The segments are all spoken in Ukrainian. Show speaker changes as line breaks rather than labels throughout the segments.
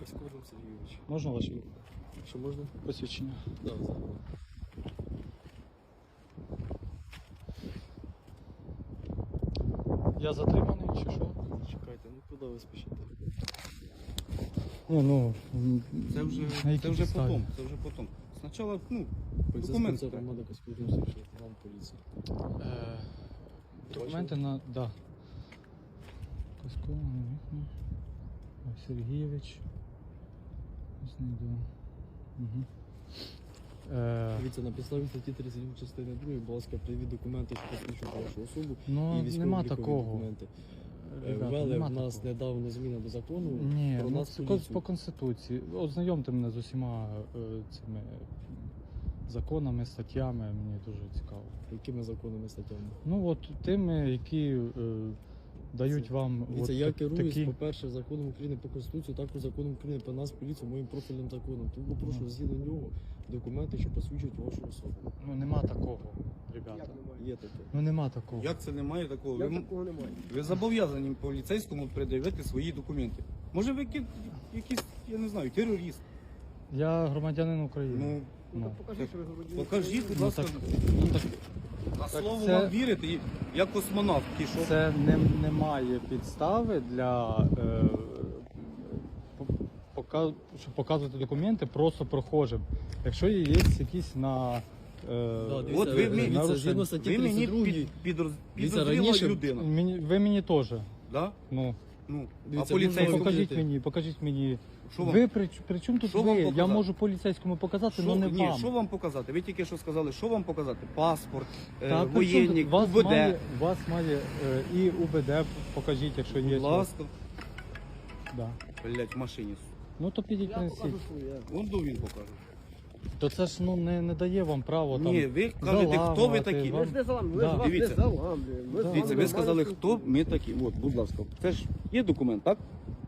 Скором Сергійович.
Можна ваше
Що можна?
посвідчення?
Да, зараз.
Я затриманий чи що?
Чекайте, ну куди ви спішите?
Ні, ну,
Це вже,
на якій
це вже
підставі?
потом, це вже потом. Спочатку, документи.
Поліцейська громада Скором Сергійович, вам поліція.
Документи на... Да. Косько, Сергійович. Знайду. Угу.
Дивіться, на підставі статті 37 частини 2, будь ласка, привід документи, що посвідчують вашу особу
Ну,
і військово-облікові
нема такого.
документи.
Ребята,
Ввели
нема
в нас
такого.
недавно зміна до закону
Ні,
про
ну,
нас
це
поліцію.
по Конституції. Ознайомте мене з усіма цими законами, статтями, мені дуже цікаво.
Якими законами, статтями?
Ну от тими, які дають вам
Дивіться,
от
я керуюсь,
такі...
по-перше, законом України по Конституції, також законом України про нас, поліцію, моїм профільним законом. Тому прошу згідно нього документи, що посвідчують вашу особу.
Ну нема такого, ребята.
Є таке.
Ну нема такого.
Як це немає такого?
Як такого немає?
Ви зобов'язані поліцейському пред'явити свої документи. Може ви якийсь, я не знаю, терорист.
Я громадянин України.
Ну,
Ну,
Ну,
так покажіть, що ви громадянин.
покажіть, будь
Ну,
ласка,
так, ну, так
на слово
це-
вам вірите, як космонавт пішов.
це немає підстави для щоб показувати документи просто прохожим. Якщо є якісь на
Да, дивіться,
От ви мені-
дивіться, згідно статті
Ви мені
32,
підозріла
раніше-
людина.
ви мені теж.
Да?
Ну,
Ну,
Дивіться,
а поліцейському...
можна
покажіть мені.
Що вам?
Ви при чому тут
Що
ви?
вам
Я
показати?
можу поліцейському показати,
Що,
але не
ні,
вам.
що вам показати? Ви тільки що сказали, що вам показати? Паспорт,
Та при чому
воєнник,
тут? Вас
УБД.
вас має і УБД покажіть, якщо є.
Будь ласка.
Да.
Блять, в машині.
Ну то підіть
Я
принесіть.
покажу своє.
Вон до він покаже.
То це ж ну не дає вам право там.
Ні, ви кажете, хто ви
заламувати,
такі.
вам-
Ми ж не заламуємо, ми
Да.
ж вас не
Дивіться.
заламуємо. Ми з
Да.
вами
Дивіться, ви сказали,
нормально
хто ми такі. От, будь ласка, це ж є документ, так?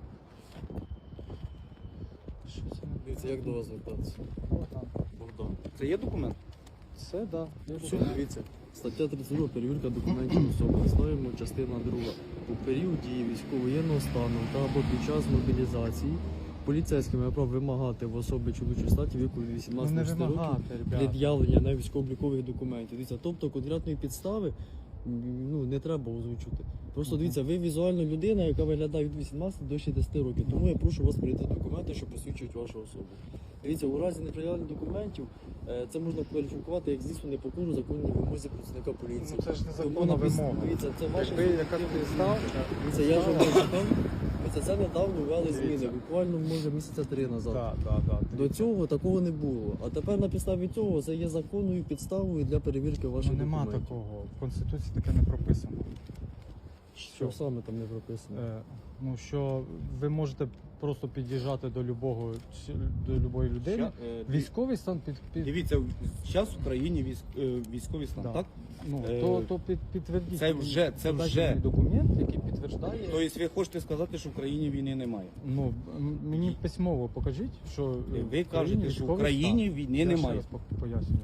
Що це?
Дивіться, як до вас звертатися?
Богдан.
Богдан.
Це є документ?
Це да.
Все, дивіться. Стаття 32, перевірка документів особи. Ставимо частина 2. У період дії військово-воєнного стану та або під час мобілізації поліцейським має право вимагати в особи чоловічої статі віку від
Ну
18
не
до 60 років
вимагати, ребята.
пред'явлення на військово-облікових документів. Дивіться, тобто конкретної підстави ну, не треба озвучувати. Просто дивіться, ви візуальна людина, яка виглядає від 18 до 60 років. Тому я прошу вас прийти документи, що посвідчують вашу особу. Дивіться, у разі неприявлення документів це можна кваліфікувати як звісно непокору законній вимозі працівника поліції.
Ну, це ж
Тому
незаконна вимога.
Дивіться, це ваша
Якби яка
суб'єктивна
підстава,
думка. Дивіться, я ж вам читав. Дивіться, це недавно ввели зміни, буквально може місяця 3 назад. До цього такого не було. А тепер на підставі цього це є законною підставою для перевірки ваших
Ну, нема
документів.
такого. В Конституції таке не прописано.
Що саме там не прописано?
Ну що ви можете просто під'їжджати до любої людини. Військовий стан
Дивіться, зараз в Україні військовий стан,
Да.
так?
Ну,
Е,
то підтвердіть.
це вже-
Подайте мені документ, який підтверджує.
Тобто ви хочете сказати, що в Україні війни немає?
Ну, мені письмово покажіть, що
Ви
Україні
кажете, що в
військовий
Україні
стан.
війни
Я ще
немає.
раз пояснюю.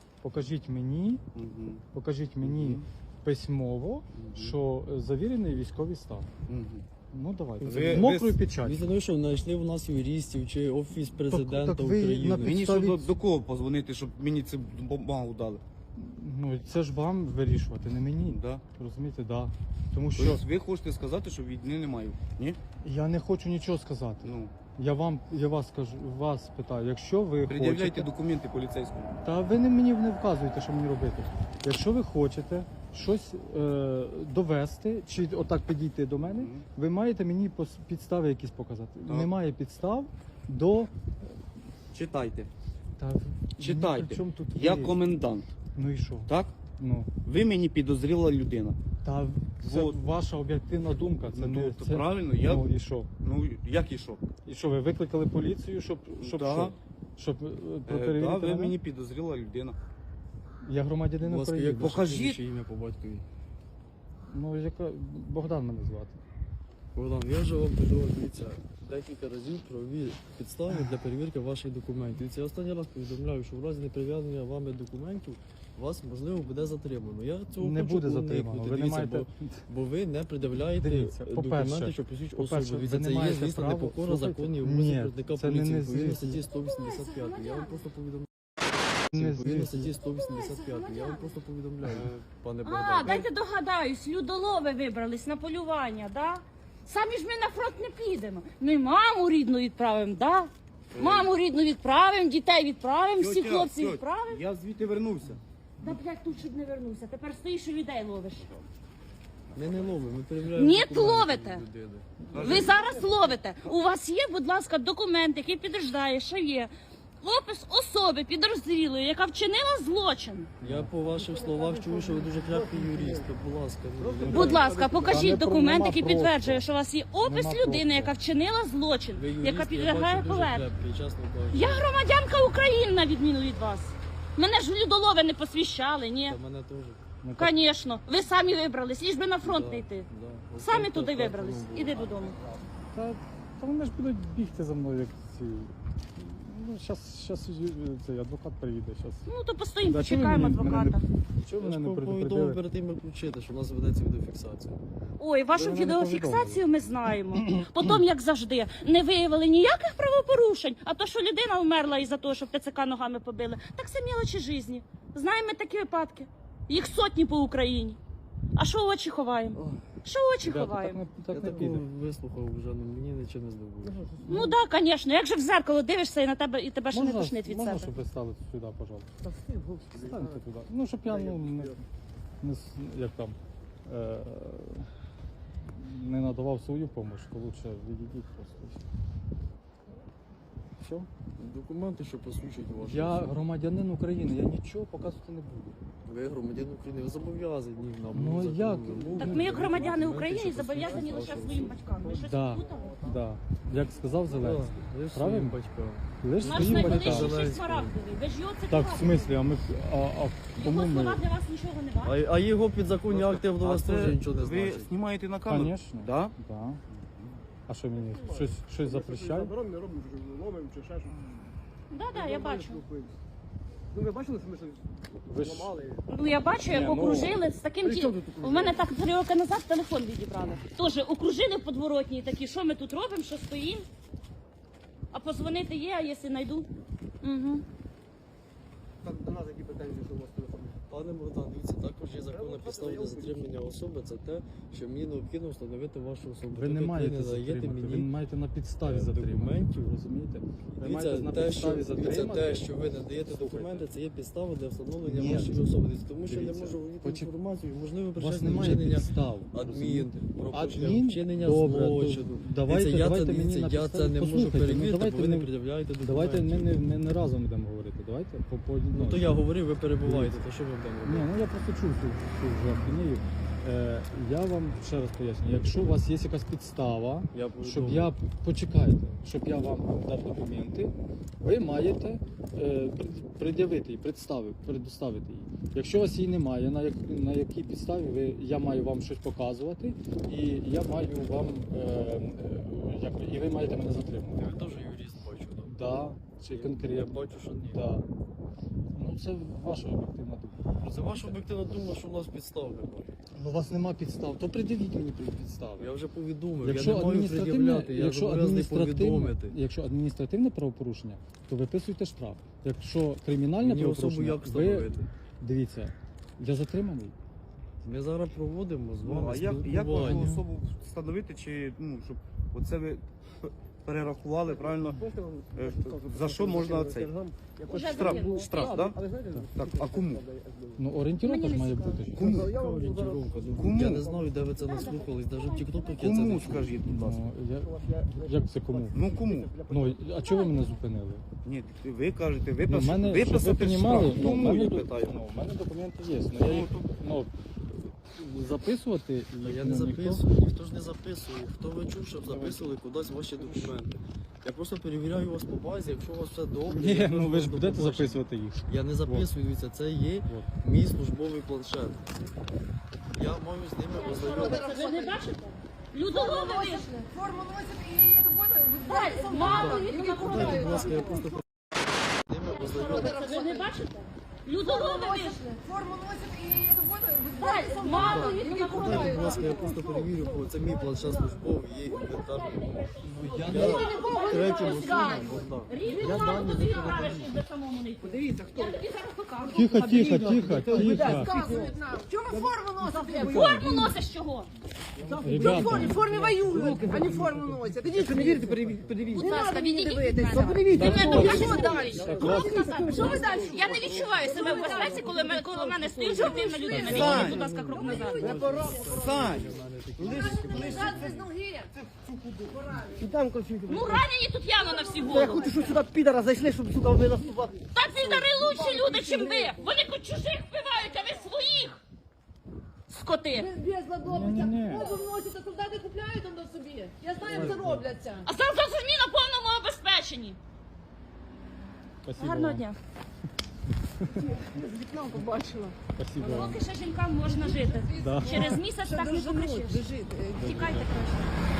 Покажіть мені
Мгм.
письмово, що завірений військовий стан.
Мгм.
Ну давайте.
Ви-
З мокрою
ви-
печаттю.
Дивіться, ну що, знайшли в нас юристів чи Офіс президента
так ви
України.
на
Мені
підставі-
що до кого позвонити, щоб мені цю бумагу дали?
Ну це ж вам вирішувати, не мені.
Да?
Розумієте, да. Тому що
Тобто ви хочете сказати, що війни немає? Ні?
я не хочу нічого сказати.
Ну,
Я вас питаю, якщо ви
пред'являйте
хочете,
документи поліцейському.
та ви не мені не вказуєте, що мені робити. Якщо ви хочете щось довести, чи отак підійти до мене,
Мгм.
ви маєте мені підстави якісь показати.
Так.
Немає підстав до
Читайте.
та
Читайте.
при чому тут
Я
ви?
комендант,
Ну і що?
так?
Ну
Ви мені підозріла людина.
та це
Вот.
ваша об'єктивна думка. Це
Ну,
не
то
це...
правильно, я-
Ну і що?
Ну, як і що?
І що ви викликали поліцію, щоб
Да.
що? Щоб перевірити
Да, ви
мене?
мені підозріла людина.
Я громадянин
Будь ласка,
України.
як ваше
Покажіть.
прізвище, ім'я по батькові.
Ну яка Богдан мене звати.
Богдан, я вже вам придумав, дивіться, декілька разів правові підстави для перевірки ваших документів. І це я останній раз повідомляю, що в разі неприв'язання вами документів вас, можливо, буде затримано. Я цього
Не
хочу
буде
уникнути.
затримано. Ви не
Дивіться,
маєте...
бо ви не пред'являєте
Дивіться,
документи,
по-перше,
що посвідчують
по-перше,
особу.
ви
Це
не
є,
маєте
звісно,
права-
непокора
Слухайте,
законів
ні,
вимоги працівника
це не
поліції.
не
Відповідно
звісно.
статті 185. Я вам просто повідомляю.
Не
Відповідно
звісно.
статті 185. Я вам просто повідомляю, пане
А,
Богдан.
дайте догадаюсь, людолови вибрались на полювання, да? Самі ж ми на фронт не підемо. Ми маму рідну відправимо, да? Маму рідну відправимо, дітей відправимо, всіх
Тьотя,
хлопців
тьотя,
відправимо.
Я звідти вернувся.
Да, блядь, тут щоб не вернувся. Тепер стоїш і людей ловиш.
Ми не ловимо, ми перевіряємо.
Ні,
документи
ловите.
людини.
Ви зараз ловите. У вас є, будь ласка, документ, який підтверждає, що є опис особи підозрілої, яка вчинила злочин.
Я по ваших словах чую, що ви дуже крепкий юрист. То, будь ласка, ну,
Будь ласка,
Та не
покажіть
про-
документ,
нема
який
просто.
підтверджує, що у вас є опис
Нема
людини,
просто.
яка вчинила злочин,
ви юрист,
яка
я
підлягає
бачу, дуже
поверненню.
крепкий, чесно кажучи.
Я громадянка України, на відміну від вас. Мене ж людолови не посвящали, ні.
Та мене теж.
Ну, так,
Звісно, ви самі вибрались, ліж би на фронт
Да,
не йти.
да.
Самі
Ось
туди
так,
вибрались.
так,
Іди
було.
додому.
Та вони ж будуть бігти за мною, як ці. Ну, щас цей адвокат приїде. Щас.
Ну то постоїмо,
Да, чого ви
почекаємо
мене не-
адвоката.
Чого
Я
мене
ж
не
повідомив
предупредили?
перед тим, як включити, що в нас ведеться відеофіксація.
Ой, вашу
Ви мене не
відеофіксацію ми знаємо. Потім, як завжди, не виявили ніяких правопорушень, а то, що людина вмерла із-за того, що ТЦК ногами побили, так це мілочі житті. Знаємо ми такі випадки. Їх сотні по Україні. А що очі ховаємо?
Ох,
Що очі
Ребята,
ховаємо?
я
так не
такого
піде.
вислухав вже, ну мені нічого не здобуло.
Ну так, звісно. Як же в зеркало дивишся і на тебе і тебе ще не тошнить від
Можна,
себе.
щоб ви стали сюди, пожалуйста? Станьте туди. Ну, щоб я як там, е, не надавав свою допомогу, то лучше відійдіть просто. Все?
Документи, що посвідчують вашу
Я
особу.
громадянин України, я нічого показувати не буду.
Ви громадян України, ви зобов'язані нам.
Ну,
законом
як?
вимогам
Так ми, як громадяни
документи,
України,
що
зобов'язані
посвідчують
лише
вашу
своїм
особу.
батькам. Ви щось
Да.
плутали?
Да. Як сказав Зеленський.
Да, ви ж
Правильно?
своїм батькам.
Лиш
Наш
своїм
найближчий
батькам.
ще смарагдовий. Ви ж його це
Так, в смислі, а ми
Його
кому ми?
слова для вас нічого не бачать.
А його підзаконні акти до
А
вас
це
теж нічого не
ви
значить.
знімаєте на камеру?
Звісно.
Да?
Да. А що мені? Щось запрещає?
Заборонено, не робимо, що ломимо чи ще щось.
Да, я бачу.
Ну ви бачили, що ми щось
Ви ж-
ламали?
Ну я бачу, як
Ні, ну,
окружили з таким
при чому
ті.
тут окружили?
У мене так 3 роки назад телефон відібрали. Тоже окружили в подворотні такі, що ми тут робимо, що стоїмо. А позвонити є, а якщо знайду. Угу.
Так, до нас які претензії, що у вас телефон?
Пане Богдан, дивіться, також є законна підстава для затримання особи. Це те, що мені необхідно встановити вашу особу.
Ви не
Тобто
маєте
даєте
затримати, ви
мені
маєте на підставі
документів.
затримати. Розумієте? Ви маєте
Дивіться,
на
те, що,
підставі
дивіться,
затримати.
те, що ви надаєте документи, це є підстава для встановлення
Ні.
вашої особи. Тому що я
Дивіться,
можу володіти
почек-
інформацію, можливо,
У вас
причетне
немає
вчинення
підстав.
адмін,
розумієте?
про
Адмін?
вчинення
Добре,
злочину.
давайте-
Дивіться, я
давайте
це,
мені
дивіться,
на
я
підставі-
це не можу
Послухайте, ну,
перевірити, бо
давайте
ви не
ми-
пред'являєте документів.
Давайте ми не разом будемо говорити. Давайте по одному.
Ну то я говорив, ви перебуваєте, то що ви будемо
Ні,
робити?
ну я просто чув цю вже ахінею. Я вам ще раз поясню, якщо у вас є якась підстава,
Я
щоб
повідомив.
я почекайте, щоб я вам дав документи, ви маєте пред'явити її, предоставити її. Якщо у вас її немає, на якій підставі я маю вам щось показувати, і я маю вам і ви маєте мене затримати.
Ви теж юрист бачу, так?
Да, чи
Я
конкретно.
бачу, що ні.
Да. Ну це ваша об'єктивна думка.
Це ваша об'єктивна думка, що у нас підстав немає.
Ну, у вас нема підстав, то пред'явіть мені підстави.
Я вже повідомив,
Якщо
я не маю пред'являти, я зобов'язаний повідомити.
якщо адміністративне правопорушення, то виписуйте штраф. Якщо кримінальне
Мені особу
правопорушення,
як
ви
встановити?
дивіться, я затриманий.
Ми зараз проводимо з
Ну,
вами
а як можна
спілкування.
особу встановити, чи ну, щоб оце ви перерахували правильно? За що можна цей?
Уже
Штраф,
закинули.
штраф, так?
Але знаєте,
Так, а кому?
Ну, орієнтировка
Мені
ж
не
має
цікаво.
бути.
Кому?
Яка орієнтировка? Ну,
Кому?
Я не знаю, де ви це наслухались, навіть в TikTok я це не
Кому
чув.
скажіть, будь ласка?
Ну, як це кому?
Ну кому?
Ну, а чого ви мене зупинили?
Ні, ви кажете,
Ну, в мене, щоб ви
виписати
понімали,
штраф.
ну, в
Кому,
мене,
я питаю?
в мене документи є. Ну, я їх, ну, записувати
Та
їх,
я не
ну, ніхто-
записую, ніхто ж не записує. Хто ви чув, щоб записували кудись ваші документи? Я просто перевіряю вас по базі, якщо у вас все добре.
Ні,
я
ну
кажу
ви ж
вам до
будете
побачення.
записувати їх.
Я не записую, дивіться, це є
От.
мій службовий планшет. Я маю з ними
Що
ознайомитися.
робиться? Ви не бачите? Людолови вийшли.
Форму носят и эту воду.
Мало їх
Будь
накрутили.
ласка, я просто ними ознайомлюсь.
Ви не бачите? Людолови вийшли.
Форму носят и эту воду.
Мало їх
Будь
накрутили.
ласка, я просто перевірю, бо це мій планшет службовий, є інвентар. Я третім особам Богдан.
Різні
Я
мало
дані
тобі
не
граєш і до самому не йти.
Подивіться, хто.
Я тобі зараз покажу.
Тихо, тихо, тихо, тихо.
Розказують нам. Чому ви форму носите?
Форму носиш чого?
Ребята,
В формі воюють, а не форму носять. Ідіть, не вірите, подивіться.
Будь ласка, відійдіть від мене.
Подивіться.
Ти мене
Що
дуже
далі?
Що ви далі? Я не відчуваю себе в безпеці, коли коло мене стоїть спортивна людина. Відійдіть, будь ласка, крок назад.
Сань,
І там конфлікт.
Ну ранені тут явно на всі
Я
голови.
хочу, щоб сюди підара зайшли, щоб, сука, ви наступати.
Та підари лучші люди, чим ви. Вони хоч чужих вбивають, а ви своїх. Скоти.
Без ладовиця. Воду вносять, а солдати купляють там до собі. Я знаю, як це робляться.
А зараз самі на повному обезпеченні.
спасибо
Гарного
вам.
дня.
З вікном побачила.
Спасибо вам.
Поки ще жінкам можна жити.
Да.
Через місяць так не покричиш.
Лежить.
Тікайте краще.